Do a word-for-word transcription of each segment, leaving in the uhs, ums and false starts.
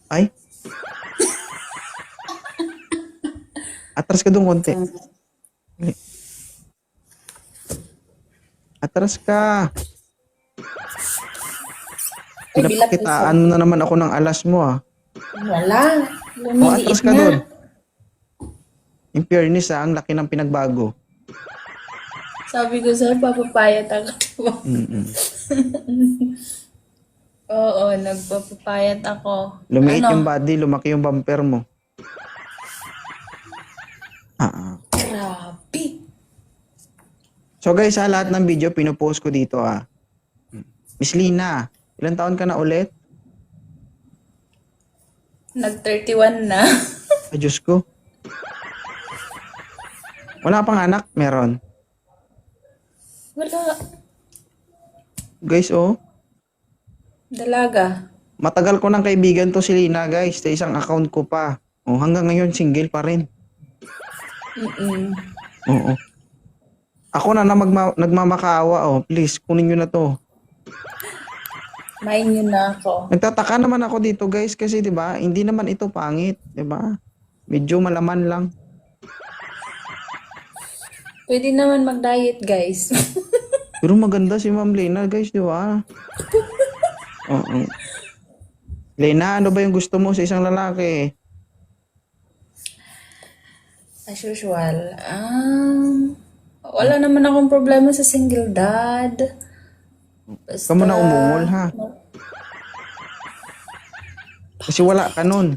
Ay, atras ka doon konti. Atras ka. Ay, bilat Pinapakitaan mo na naman ako ng alas mo ah. Wala. O, atras Lumiliit ka na. doon. In fairness ah, ang laki ng pinagbago. Sabi ko sa'yo, papapayat ako. Mm-mm. Oo, nagpapapayat ako. Lumiit Ano? yung body, lumaki yung bumper mo. Ah, ah. Grabe. So guys, sa lahat ng video, pinupost ko dito ah. Miss Lina, ilang taon ka na ulit? Nag thirty-one na. Ay, Diyos ko. Wala pang anak? Meron. Wala. Guys, oh. Dalaga. Matagal ko ng kaibigan to si Lina, guys. Sa isang account ko pa. Oh, hanggang ngayon, single pa rin. Mm-mm. Oo. Ako na na magma- nagmamakaawa, oh. Please, kunin nyo na to. Main yun na ako. Nagtataka naman ako dito, guys, kasi 'di ba? Hindi naman ito pangit, 'di ba? Medyo malaman lang. Pwede naman mag-diet, guys. Pero maganda si Ma'am Lena, guys, 'di ba? Oo. Lena, ano ba yung gusto mo sa isang lalaki? As usual. Um, wala naman akong problema sa single dad. Basta... Kamu na umungol, ha? Kasi wala ka nun.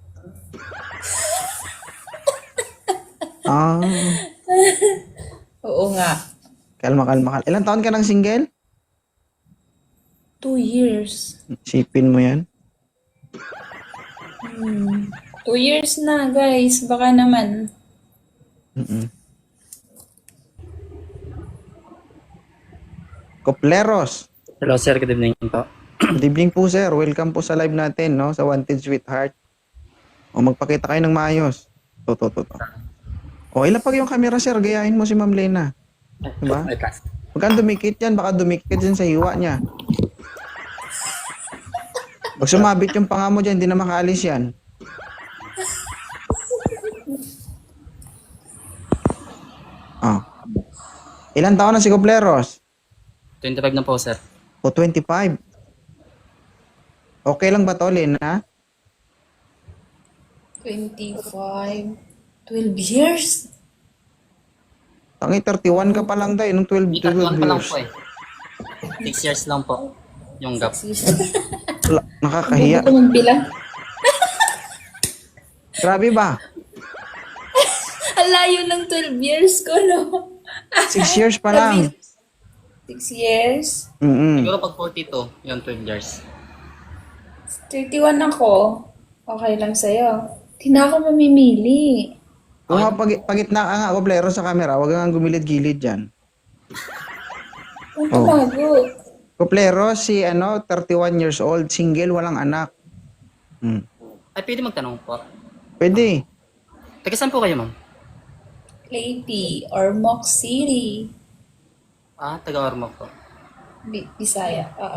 Ah, Oo nga. kalma, kalma, kalma. Ilang taon ka ng single? Two years. Sipin mo yan. Hmm. Two years na, guys. Baka naman. Mm-mm. Kopleros. Hello sir, good evening po. Good evening po, sir. Welcome po sa live natin, no? Sa Wanted Sweetheart. O, magpakita kayo ng maayos. To, to, to, to. O, ilapag yung camera, sir. Gayahin mo si Ma'am Lena. Diba? May class. Huwag kang dumikit yan. Baka dumikit dyan sa hiwa niya. Pag sumabit yung panga mo dyan, hindi na makaalis yan. Oh. Ilan taon na si Kopleros? twenty-five na po sir. O, twenty-five. Okay lang ba to, Lena? twenty-five. twelve years? Tangi, thirty-one ka pa lang tayo. Nung twelve, Di twelve katuan pa lang years. po eh. six years lang po yung gap. Wala, nakakahiya. Bubo ko magbilang. Grabe ba? Ang layo ng twelve years ko, no? Six years pa lang. Six years? Mm-mm. Siguro pag forty-two, yung twelve years. thirty-one ako. Okay lang sa'yo. Di na ako mamimili. Kung nga pag, pagitna ka nga, Koplero, sa camera, huwag kang gumilid-gilid dyan. Ang Oh. tumago. Koplero, si ano, thirty-one years old, single, walang anak. Hmm. Ay, pwede magtanong po. Pwede. Taga saan po kayo ma'am? Leyte or Moc City. Ah, taga Ormoc po. Bi- Bisaya. Oo.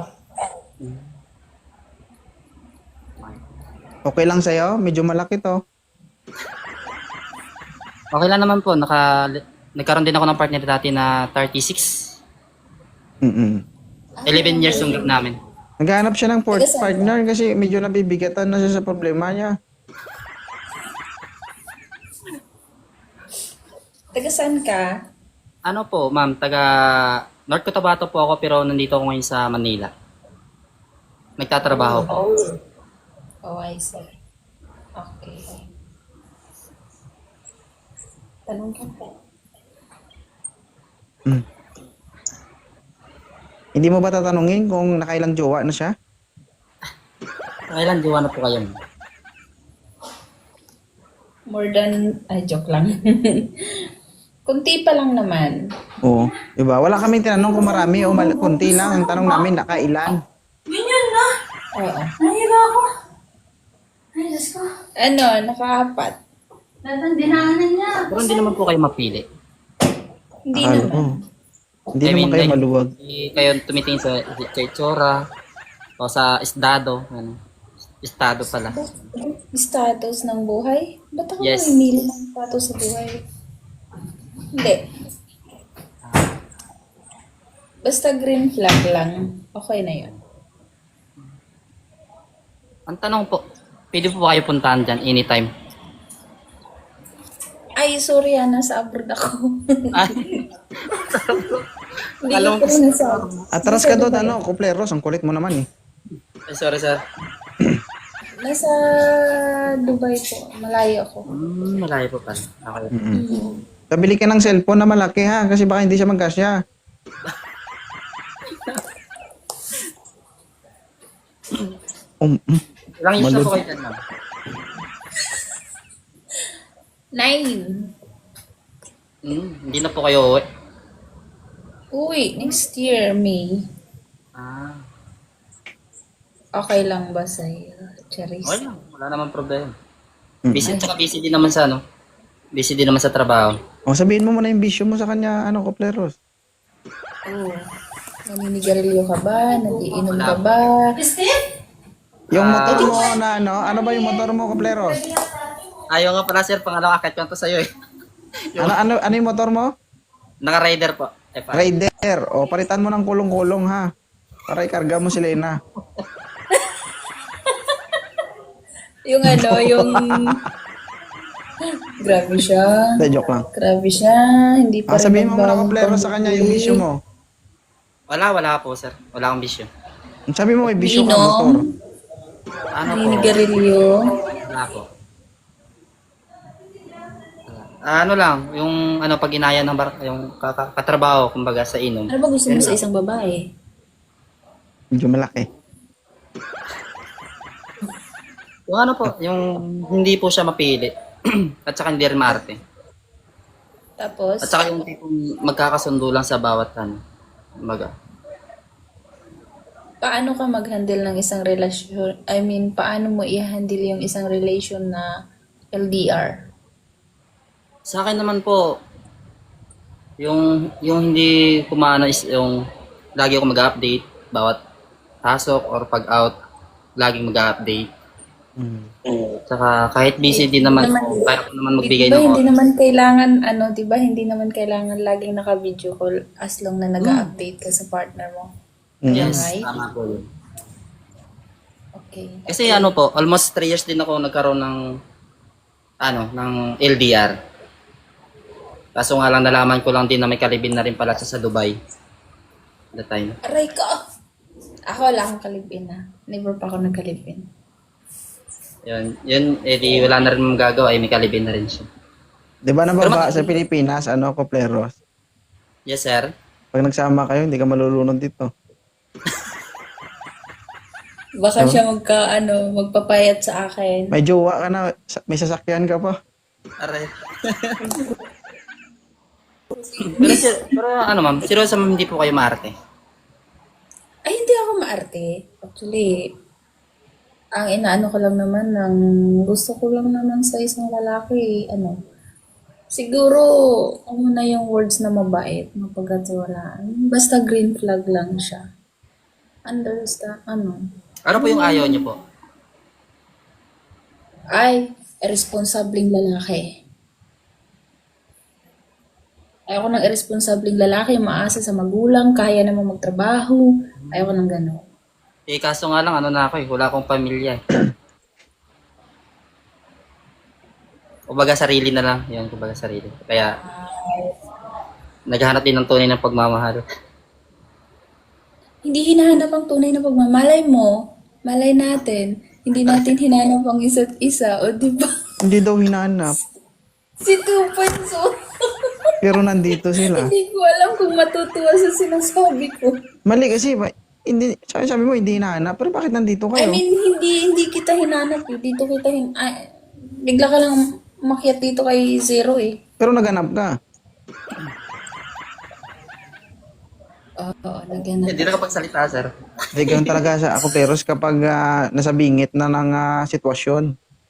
Okay lang sa'yo? Medyo malaki to. Okay lang naman po, naka, nagkaroon din ako ng partner dati na thirty-six. Mm-mm. eleven years yung gap namin. Naghahanap siya ng port- Taga saan? partner kasi medyo nabibigatan na siya sa problema niya. Taga saan ka? Ano po, ma'am, taga North Cotabato po ako pero nandito ako ngayon sa Manila. Nagtatrabaho po. Oh, I see. Okay. Tanong ka pa. Mm. Hindi mo ba tatanungin kung nakailang jowa na siya? Kailan diwa na po kayo? ma'am? More than... Ay, joke lang. Kunti pa lang naman. Oo. Diba? Wala kaming tinanong kung marami o mal- kunti lang. Ang tanong namin, nakailan. Ganyan na! Oo. Nahiga ako! Ay, Diyos ko. Ano, nakaapat. Lahat ng dinaanan niya. Pero hindi naman po kayo mapili. Hindi Akala naman. ko. Hindi I mean, naman kayo like, maluwag. Hindi kayo tumitingin sa, sa itsura o sa isdado. Ano. Estado pala. Status ng buhay? Ba't ako Yes. mamimili ng status sa buhay? Hindi. Basta green flag lang, okay na yun. Ang tanong po, pwede po ba kayo puntahan dyan anytime? Ay, sorry ah, nasa abroad ako. Ay, Hindi Alam ko ko- pa nasa... Atras ka doon, ano, kupleros, ang kulit mo naman eh. ay, sorry sir. Nasa Dubai po, malayo ako. Hmm, malayo po pala. Okay. Mm-mm. Pabili ka ng cellphone na malaki ha, kasi baka hindi siya magkasya. Um, mm. Ilang years na Malud- po kayo dyan, ma'am? Nine. Hmm, hindi na po kayo uwi. Uy, next year, May. Ah, Okay lang ba sa'yo, Charis? okay lang. Wala naman problema. Mm. Busy, tsaka busy din naman sa ano. Busy din naman sa trabaho. O sabihin mo muna yung bisyo mo sa kanya, ano, kupleros. Oo. Naninigarilyo ka ba? Nagiinom ka ba? Steve? Yung Ah. motor mo na ano, ano ba yung motor mo, kupleros? Ayaw nga pala sir, pangalawang akit ko to sa'yo eh. Ano, ano, ano yung motor mo? Naka-rider po. F I. Raider. O, palitan mo ng kulong-kulong ha. Para ikarga mo si Lena. Yung ano, yung... Grabe siya. Hindi, joke lang. Grabe siya. Hindi pa Ah, sabihin mo muna, nagbago kupleros, sa kanya yung bisyo mo. Wala, wala po sir. Wala akong bisyo. Sabi mo may bisyo ka Inom. motor. Ano po? Naninigarilyo. Wala po. Ah, ano lang, yung ano pag inaya ng bar, yung kaka- katrabaho kumbaga sa inom. Ano ba gusto mo sa isang babae? Medyo malaki. Yung ano po, yung hindi po siya mapili. At saka hindi rin maarte. Tapos, At saka yung tipong magkakasundo lang sa bawat ano. Kumbaga. paano ka mag-handle ng isang relasyon? I mean, paano mo i-handle yung isang relation na L D R? Sa akin naman po, yung yung hindi kumano is yung lagi ako mag-update bawat pasok or pag out, laging mag-update. Mm. Saka kahit busy din naman Naman- ako, kaya ko naman magbigay Diba, ng hindi oras. naman kailangan, ano, diba, hindi naman kailangan laging naka-video call as long na nag-update ka sa partner mo. Mm. Yes, Right? tama po yun. Okay. Kasi ano po, almost three years din ako nagkaroon ng ano, ng L D R. Kaso nga lang nalaman ko lang din na may kalibin na rin pala siya sa Dubai. That time. Aray ko! Ako wala akong kalibin na. Never pa ako nagkalibin. Yun, yun, eh di wala na rin magagawa, eh may kalibin na rin siya. Di ba Pero nababa mag- sa Pilipinas, ano, kupleros? Yes, sir. Pag nagsama kayo, hindi ka malulunod dito. Baka siya magka, ano, magpapayat sa akin. May jowa ka na, sa- may sasakyan ka pa. Aray. pero, si- pero ano ma'am, seryoso ma'am, hindi po kayo maarte. Ay, hindi ako maarte. Actually, ang inaano ko lang naman, ng gusto ko lang naman sa isang lalaki, ano, siguro, ano na yung words na mabait, mapagkatiwalaan. Basta green flag lang siya. Understand, ano, Ano po yung ayaw niyo po? ay, irresponsibleng lalaki. Ayoko ng irresponsibleng lalaki, maasa sa magulang, kaya naman magtrabaho. Ayoko ng gano'n. Eh kaso nga lang, ano na ako eh, wala akong pamilya eh. Kumbaga sarili na lang, yun, kumbaga sarili. Kaya, naghahanap din ng tunay ng pagmamahal. Hindi hinahanap ang tunay na pagmamalay mo. Malay natin. Hindi natin hinanap ang isa't isa. O di ba? Hindi daw hinahanap. Si Tupanso. Pero nandito sila. Hindi ko alam kung matutuwa sa sinasabi ko. Mali kasi, ba, hindi, sabi, sabi mo, hindi hinahanap. Pero bakit nandito I kayo? mean, hindi hindi kita hinanap eh. Dito kita hin... Ay, bigla ka lang makiat dito kay Zero eh. Pero naganap ka. Oo, naghanap. Hindi na kapagsalita, sir. Hindi ganun talaga sa ako pero kapag ah, nasa bingit na ng ah, sitwasyon.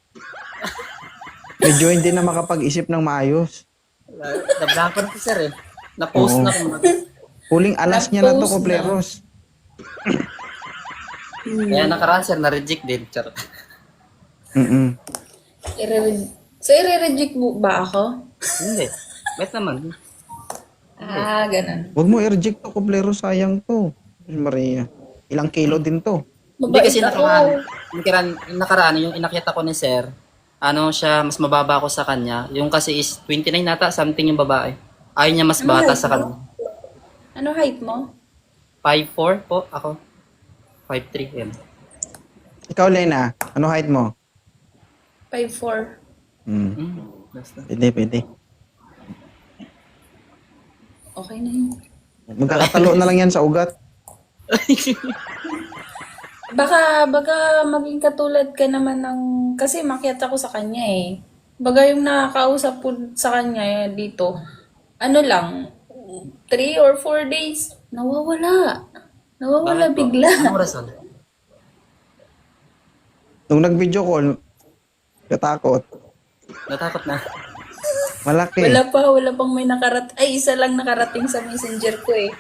Medyo hindi na makapag-isip ng maayos. Nablanko na po, sir eh. Na-post Oo. na kumbaga. Huling alas niya na to, Na-post na. kupleros. Kaya nakaraan sir, na-reject din. Char. Mm-mm. Ire- so, i-reject mo ba ako? Hindi. Bet naman. Ah, ganun. Huwag mo i-reject to, kuplero, sayang to. Maria, ilang kilo din to. Hindi Mabait kasi ako. nakaraan, yung, nakaraan, yung nakaraan, yung inakyat ako ni sir, ano siya, mas mababa ako sa kanya. Yung kasi is twenty-nine nata, something yung babae. Ayaw niya mas Ano bata height sa mo? kanya. Ano height mo? five four po ako. five three yan. Ikaw, Lena, ano height mo? five four. Hmm. Hmm, basta. Pwede, pwede. Okay na yun. Magkakatalo na lang yan sa ugat. Baka, baka maging katulad ka naman ng... Kasi makiat ako sa kanya eh. Baga yung nakakausap po sa kanya eh, dito, ano lang, three or four days, nawawala. Nawawala Bakit po? bigla. Anong rason? Nung nag-video call, katakot. Natakot na. Malaki. Wala pa, wala pang may nakarat... Ay, isa lang nakarating sa messenger ko eh.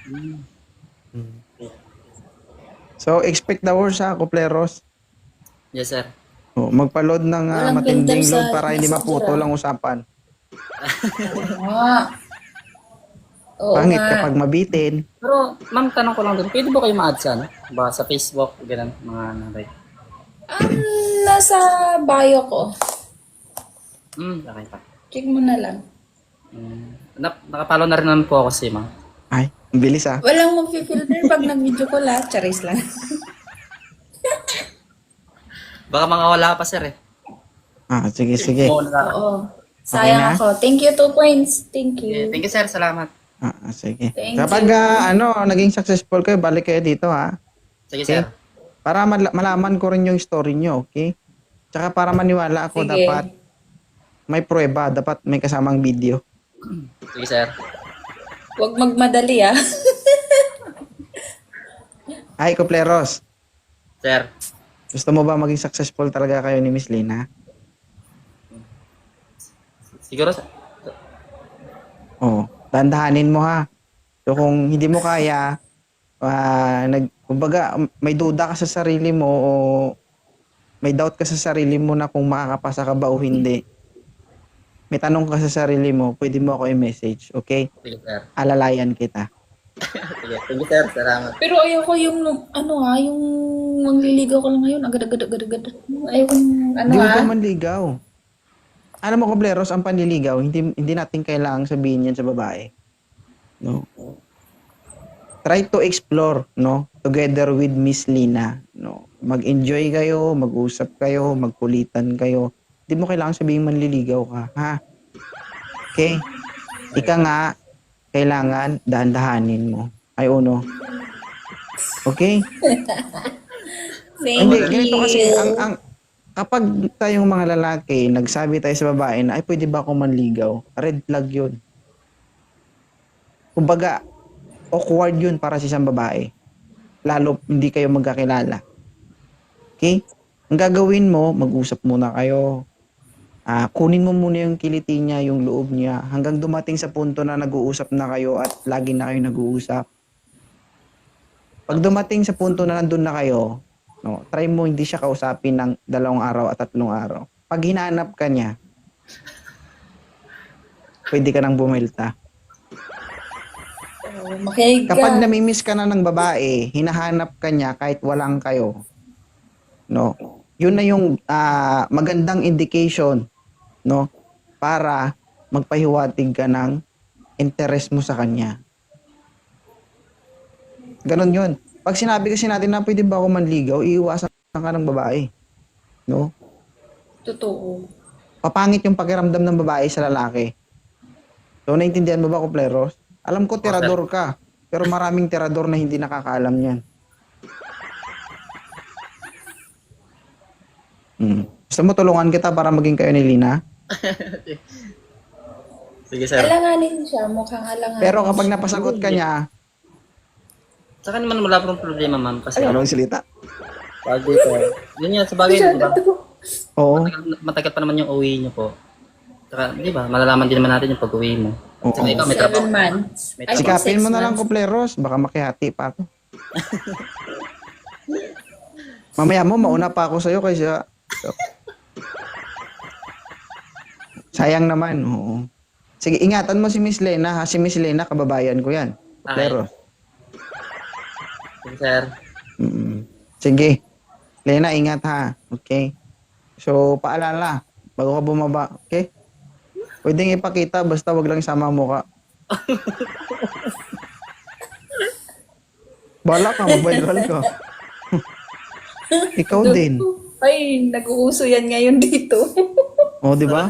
So, expect the worst ha, kupleros. Yes sir. Oh, magpa-load ng ah, Walang matinding filter load sa para hindi messenger, maputo ah. lang usapan. Oo nga. Oo Pangit nga. kapag mabitin. Pero ma'am, tanong ko lang din, pwede ba kayo ma-add sa ano? Ba sa Facebook, ganun, mga nanay. Um, nasa bio ko. Hmm, okay pa. Check mo na lang. Hmm. Na, nakapalo na rin naman po ako si ma'am. Ay, ang bilis ah. Walang mag-filter pag nag-video ko la. Charis lang. Baka mga wala pa sir eh. Ah, sige, sige. Oo, na. Oo. Sayang na? ako. Thank you, two points. Thank Yeah, you. thank you sir, salamat. Ah, ah, sige. Thank Kapag you. ah, ano, naging successful kayo, balik kayo dito ha. Sige Okay. sir. Para mal- malaman ko rin yung story nyo, okay? Tsaka para maniwala ako, Sige. dapat may prueba, dapat may kasamang video. Sige sir. Huwag magmadali ah. Ay, kupleros. Sir. Gusto mo ba maging successful talaga kayo ni Miss Lina? Siguro sir. Oo. Dandahanin mo ha. So kung hindi mo kaya, ah, nag, kumbaga, may duda ka sa sarili mo o may doubt ka sa sarili mo na kung makakapasa ka ba o hindi, may tanong ka sa sarili mo, pwede mo ako i-message, okay? Sige sir. Alalayan kita. Sige, thank you sir, salamat. Pero ayoko yung, ano ha, yung mangliligaw ko lang ngayon. Agad-agad, agad-agad. Ayoko yung, ano Hindi mo ha. pa manligaw. Alam mo, Kobleros, ang panliligaw, hindi, hindi natin kailangang sabihin yan sa babae. No? Try to explore, no? Together with Miss Lina, no? Mag-enjoy kayo, mag-usap kayo, magkulitan kayo. Hindi mo kailangang sabihin manliligaw ka, ha? Okay? Ika nga, kailangan dahan-dahanin mo. Ay, uno. Okay? Thank Hindi, you. ganito kasi, ang, ang, kapag tayong mga lalaki, nagsabi tayo sa babae na, ay, pwede ba ako manligaw? Red flag yun. Kumbaga, awkward yun para sa isang babae. Lalo, hindi kayo magkakilala. Okay? Ang gagawin mo, mag-usap muna kayo. Ah, kunin mo muna yung kiliti niya, yung loob niya, hanggang dumating sa punto na nag-uusap na kayo at lagi na kayo nag-uusap. Pag dumating sa punto na nandun na kayo, no, try mo hindi siya kausapin ng dalawang araw at tatlong araw. Pag hinanap ka niya, pwede ka nang bumilta. Oh, makinig ka. Kapag namimiss ka na ng babae, hinahanap ka niya kahit walang kayo. No. Yun na yung ah, magandang indication, no, para magpahiwatig ka ng interest mo sa kanya. Ganon yun. Pag sinabi kasi natin na pwede ba ako manligaw, iiwasan ka ng babae. No? Totoo. Papangit yung pakiramdam ng babae sa lalaki. So, naintindihan mo ba, Kupleros? Alam ko, tirador ka. Pero maraming tirador na hindi nakakaalam yan. Hmm. Gusto mo tulungan kita para maging kayo ni Lina? Sige sir. Alanganin siya. Mukhang alanganin. Pero kapag napasagot ka niya, Saka naman wala pong problema ma'am kasi anong salita? pag dito. Yun yan, sa bagay, di ba? Oo. Matagal, matagal pa naman yung uwi niyo po. Saka, di ba, malalaman din naman natin yung pag-uwi mo. Oo. Saka ikaw may trabaho. Seven months. May I think Sikapin six mo na lang, months. Kupleros. Baka makihati pa ako. Mamaya mo, mauna pa ako sa'yo kaysa... Sayang naman, oo. Sige, ingatan mo si Miss Lena, ha? Si Miss Lena, kababayan ko yan. Pero, Sige, sir. mm, sige. Lena, ingat ha. Okay? So, paalala, bago ka bumaba, okay? Pwedeng ipakita, basta wag lang isama mo ka. Bala ka, mag-viral ka. Ikaw din. Ay, nag-uuso yan ngayon dito. O, di ba?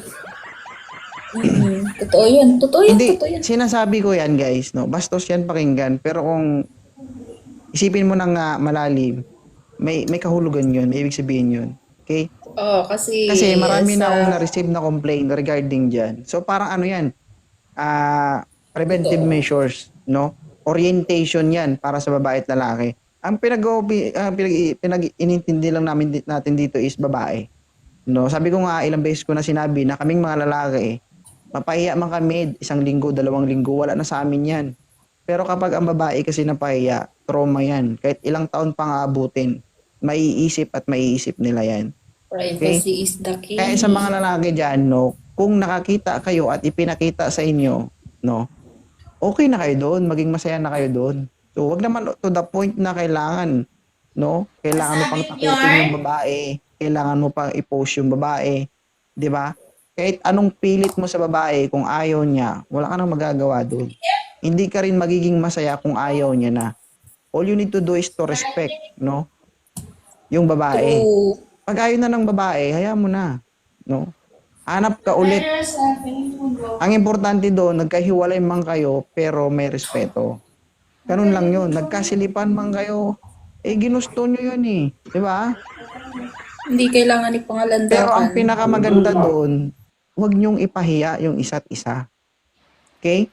Mm, totoo yan. Totoo yan. Hindi, Totoo yan. sinasabi ko yan, guys, no? Bastos yan pakinggan, pero kung isipin mo nang nga malalim, may may kahulugan yun, may ibig sabihin yun. Okay? Oo, kasi... Kasi marami na sa- akong na-receive na complaint regarding dyan. So, parang ano yan, ah preventive measures, no? Orientation yan para sa babae at lalaki. Ang pinag, uh, pinag, pinag inintindi lang namin di- natin dito is babae. No, sabi ko nga ilang beses ko na sinabi na kaming mga lalaki, mapahiya man kami isang linggo, dalawang linggo, wala na sa amin 'yan. Pero kapag ang babae kasi napahiya, trauma 'yan. Kahit ilang taon pang aabutin, maiisip at maiisip nila 'yan. Privacy is the key. Kaya sa mga lalaki diyan, no, kung nakakita kayo at ipinakita sa inyo, no, okay na kayo doon, maging masaya na kayo doon. So, wag naman to the point na kailangan, no? Kailangan mo pang takutin yung babae, kailangan mo pang i-post yung babae, 'di ba? Kahit anong pilit mo sa babae, kung ayaw niya, wala ka nang magagawa doon. Hindi ka rin magiging masaya kung ayaw niya na. All you need to do is to respect, no? Yung babae. True. Pag ayaw na ng babae, hayaan mo na, no? Hanap ka ulit. Ang importante doon, nagkahiwalay man kayo, pero may respeto. Ganun lang yun. Nagkasilipan man kayo, eh ginusto nyo yun eh. Di ba? Hindi kailangan ipangalandakan. Pero ang pinakamaganda doon, huwag nyong ipahiya yung isa't isa. Okay?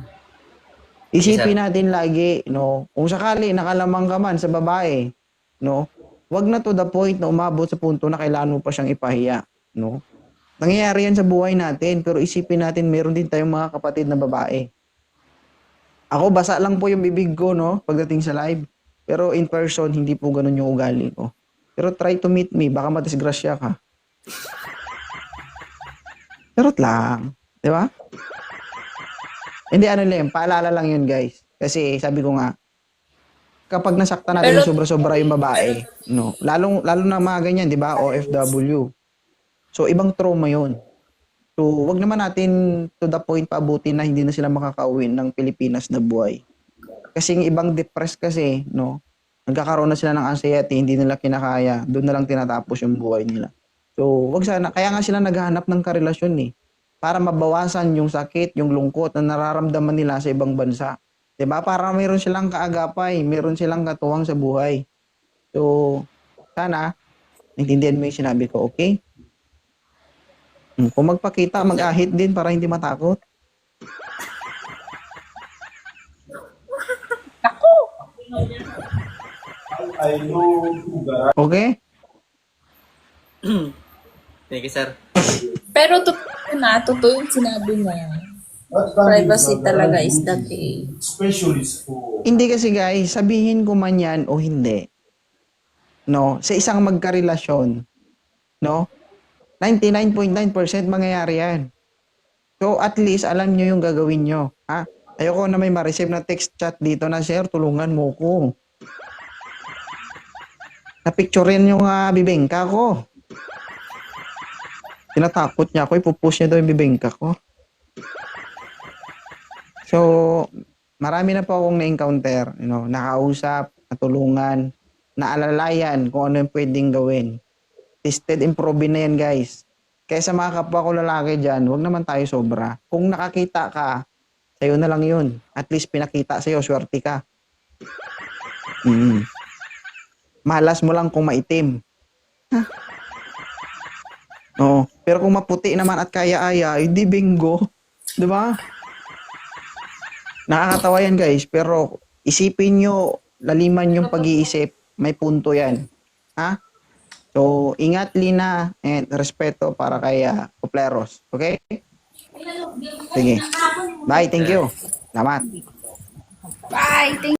Isipin natin lagi, no? Kung sakali nakalamang ka man sa babae, no? Huwag na to the point na umabot sa punto na kailangan mo pa siyang ipahiya, no? Nangyayari yan sa buhay natin, pero isipin natin meron din tayong mga kapatid na babae. Ako, basa lang po yung bibig ko, no? Pagdating sa live. Pero in person, hindi po ganun yung ugali ko. Pero try to meet me, baka madisgrasya ka. Charot lang. Di ba? Hindi, ano lang, paalala lang yun, guys. Kasi sabi ko nga, kapag nasaktan natin Pero- yung sobra-sobra yung babae, no? Lalong, lalo na mga ganyan, di ba? O F W. So, ibang trauma yun. So, wag naman natin to the point paabutin na hindi na sila makakauwi ng Pilipinas na buhay. Kasi yung ibang depressed kasi, no? Nagkakaroon na sila ng anxiety, hindi nila kinakaya. Doon na lang tinatapos yung buhay nila. So, wag sana. Kaya nga sila naghahanap ng karelasyon eh. Para mabawasan yung sakit, yung lungkot na nararamdaman nila sa ibang bansa. Diba? Para mayroon silang kaagapay, mayroon silang katuwang sa buhay. So, sana, naintindihan mo yung sinabi ko, okay? Hmm, kung magpakita, mag-ahit din para hindi matakot. Okay? Thank you, sir. Pero totoo na, totoo yung sinabi niya. Privacy talaga is the key. Specialist for Hindi kasi guys, sabihin ko man yan o hindi. No? Sa isang magkarelasyon, no? ninety-nine point nine percent mangyayari yan. So at least alam nyo yung gagawin nyo. Ha? Ayoko na may ma-receive na text chat dito na, sir, tulungan mo ko. Napicturein yung uh, bibingka ko. Tinatakot niya ako, ipupush niya daw yung bibingka ko. So, marami na po akong na-encounter, you know, nakausap, natulungan, naalalayan kung ano yung pwedeng gawin. Tested, improving na yan, guys. Kaya sa mga kapwa ko lalaki dyan, huwag naman tayo sobra. Kung nakakita ka, sa'yo na lang yun. At least pinakita sa'yo, swerte ka. Mm. Malas mo lang kung maitim. Ha? Oo. Pero kung maputi naman at kaya-aya, hindi bingo. Di ba? Nakakatawa yan, guys. Pero isipin nyo, laliman yung pag-iisip, may punto yan. Ha? So, ingat, Lina, and respeto para kay uh, Kupleros. Okay? Sige. Bye, thank you. Salamat. Bye! Thank